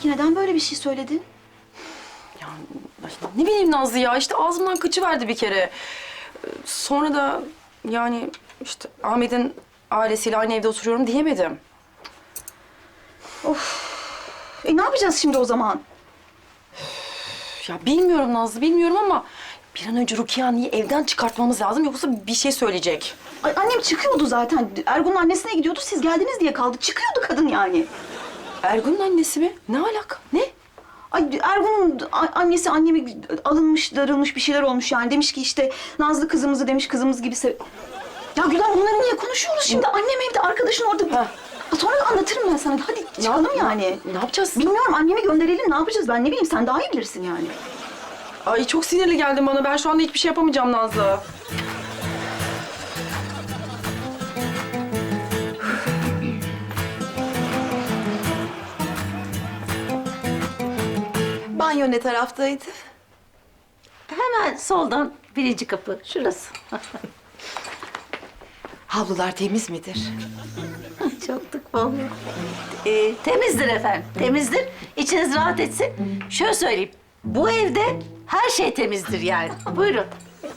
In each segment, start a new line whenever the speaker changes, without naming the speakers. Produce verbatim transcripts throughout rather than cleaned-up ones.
Peki neden böyle bir şey söyledin?
Ya ne bileyim Nazlı ya, işte ağzımdan kaçıverdi bir kere. Ee, Sonra da yani işte Ahmet'in ailesiyle aynı evde oturuyorum diyemedim.
E ne yapacağız şimdi o zaman?
Ya bilmiyorum Nazlı, bilmiyorum ama bir an önce Rukiye Anne'yi evden çıkartmamız lazım, yoksa bir şey söyleyecek.
Ay, annem çıkıyordu zaten. Ergun'un annesine gidiyordu. Siz geldiniz diye kaldı. Çıkıyordu kadın yani.
Ergun'un annesi mi? Ne alaka? Ne?
Ay Ergun'un a- annesi annemi alınmış, darılmış bir şeyler olmuş yani. Demiş ki işte Nazlı kızımızı demiş kızımız gibi sev... Ya Gülen bunları niye konuşuyoruz şimdi? Annem evde, arkadaşın orada.
Ha.
Ha, sonra da anlatırım ben sana. Hadi çıkalım
Ne-
yani.
Ne yapacağız?
Bilmiyorum, annemi gönderelim. Ne yapacağız ben ne bileyim. Sen daha iyi bilirsin yani.
Ay çok sinirli geldin bana. Ben şu anda hiçbir şey yapamayacağım Nazlı.
Banyo ne taraftaydı?
Hemen soldan birinci kapı, şurası.
Havlular temiz midir?
Çoktuk vallahi. Ee, temizdir efendim, temizdir. İçiniz rahat etsin. Şöyle söyleyeyim, bu evde her şey temizdir yani. Buyurun.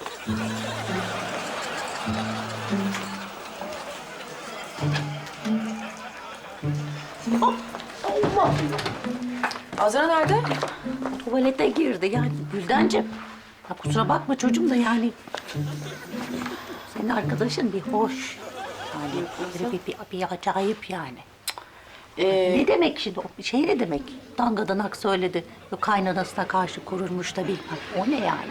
Allah!
Azra nerede?
Tuvalete girdi yani Güldencim. Ya kusura bakma çocuğum da yani. Senin arkadaşın bir hoş. Yani böyle bir, bir, bir acayip yani.
Ee,
Ne demek şimdi? O şey ne demek? Dangadanak söyledi. Yok kaynanasına karşı kururmuş da bilmem. O ne yani?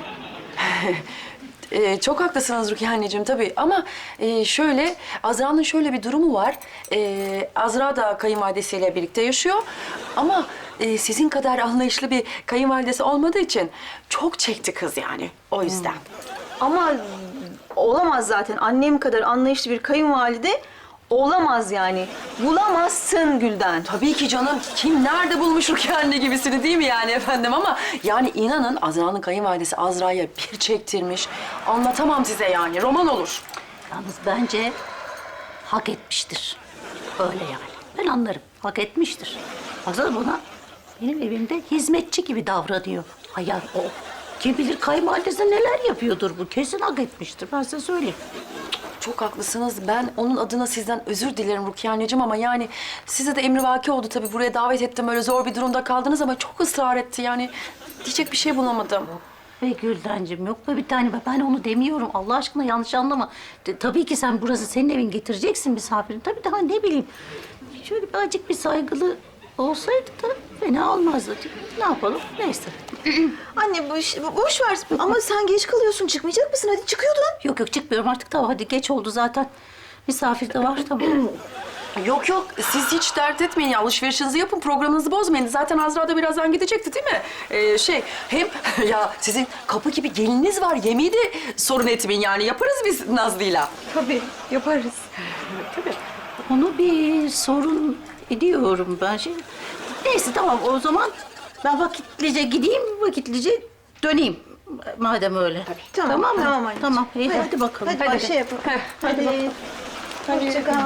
Ee, çok haklısınız Rukiye anneciğim tabii ama e, şöyle, Azra'nın şöyle bir durumu var. Ee, Azra da kayınvalidesiyle birlikte yaşıyor ama e, sizin kadar anlayışlı bir kayınvalidesi olmadığı için çok çekti kız yani, o yüzden.
Ama olamaz zaten. Annem kadar anlayışlı bir kayınvalide olamaz yani. Bulamazsın Gülden.
Tabii ki canım. Kim nerede bulmuş Rukiye anne gibisini, değil mi yani efendim? Ama yani inanın Azra'nın kayınvalidesi Azra'ya bir çektirmiş. Anlatamam size yani. Roman olur.
Yalnız bence hak etmiştir. Öyle yani. Ben anlarım. Hak etmiştir. Baksana buna benim evimde hizmetçi gibi davranıyor. Hayal o. Kim bilir kayınvalidesi neler yapıyordur bu. Kesin hak etmiştir. Ben size söyleyeyim.
Çok haklısınız. Ben onun adına sizden özür dilerim Rukiye anneciğim ama yani size de emrivaki oldu tabii. Buraya davet ettim, öyle zor bir durumda kaldınız ama çok ısrar etti yani. Diyecek bir şey bulamadım.
Ve Güldencim yok mu bir tane? Ben onu demiyorum. Allah aşkına yanlış anlama. De, tabii ki sen burası senin evin, getireceksin misafirini. Tabii daha ne bileyim. Şöyle bir acık bir saygılı olsaydı da fena olmazdı. Ne yapalım? Neyse.
Anne bu iş, bu- boş ver. Ama sen geç kalıyorsun. Çıkmayacak mısın? Hadi çıkıyordun.
Yok yok çıkmıyorum artık. Tamam hadi geç oldu zaten. Misafir de var tamam.
Yok yok, siz hiç dert etmeyin ya. Alışverişinizi yapın, programınızı bozmayın. Zaten Azra da birazdan gidecekti değil mi? Ee, şey, hem ya sizin kapı gibi gelininiz var. Yemeği de sorun etmeyin yani. Yaparız biz Nazlı'yla.
Tabii, yaparız.
Tabii. Onu bir sorun ediyorum ben şey. Neyse tamam o zaman ben vakitlice gideyim, vakitlice döneyim. Madem öyle.
Tamam,
tamam mı?
tamam anneciğim.
Tamam. İyi, hadi, bakalım.
Hadi, hadi. şey yapalım. Hadi. Hoşça kal.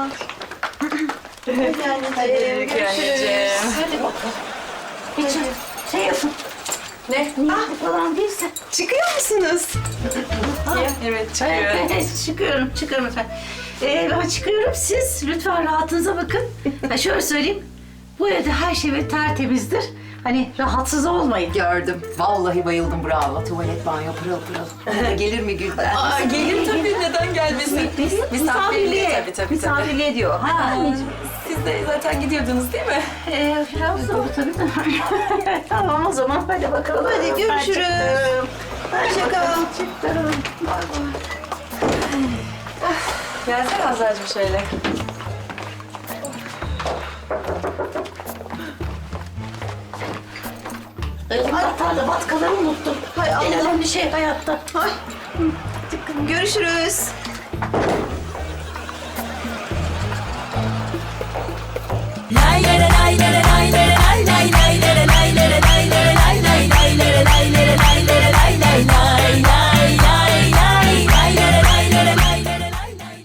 Hadi anneciğim. Görüşürüz.
Hadi bakalım. Hiç şey yapın.
Ne?
Niyetli falan değilse.
Çıkıyor musunuz?
Evet,
Evet, evet, çıkıyorum, çıkıyorum efendim. Ee, ben çıkıyorum, siz lütfen rahatınıza bakın. Ha, şöyle söyleyeyim, bu evde her şey böyle tertemizdir. Hani rahatsız olmayın.
Gördüm. Vallahi bayıldım, bravo. Tuvalet, banyo, pırıl pırıl. Ona gelir mi Gülden?
Aa, gelir tabii, neden gelmesin?
Misafirliğe.
Tabii tabii.
Misafirliğe diyor.
Ha, anneciğim.
Siz de zaten gidiyordunuz değil mi?
Ee, biraz zor tabii de. Tamam o zaman, hadi bakalım.
Hadi görüşürüz. Hoşça kal.
Çıktım.
Gelsene Azra'cığım şöyle.
Elim batardı, batkaları unuttum.
Hay Allah.
En önemli şey hayatta.
Ay. Görüşürüz.
Lay lay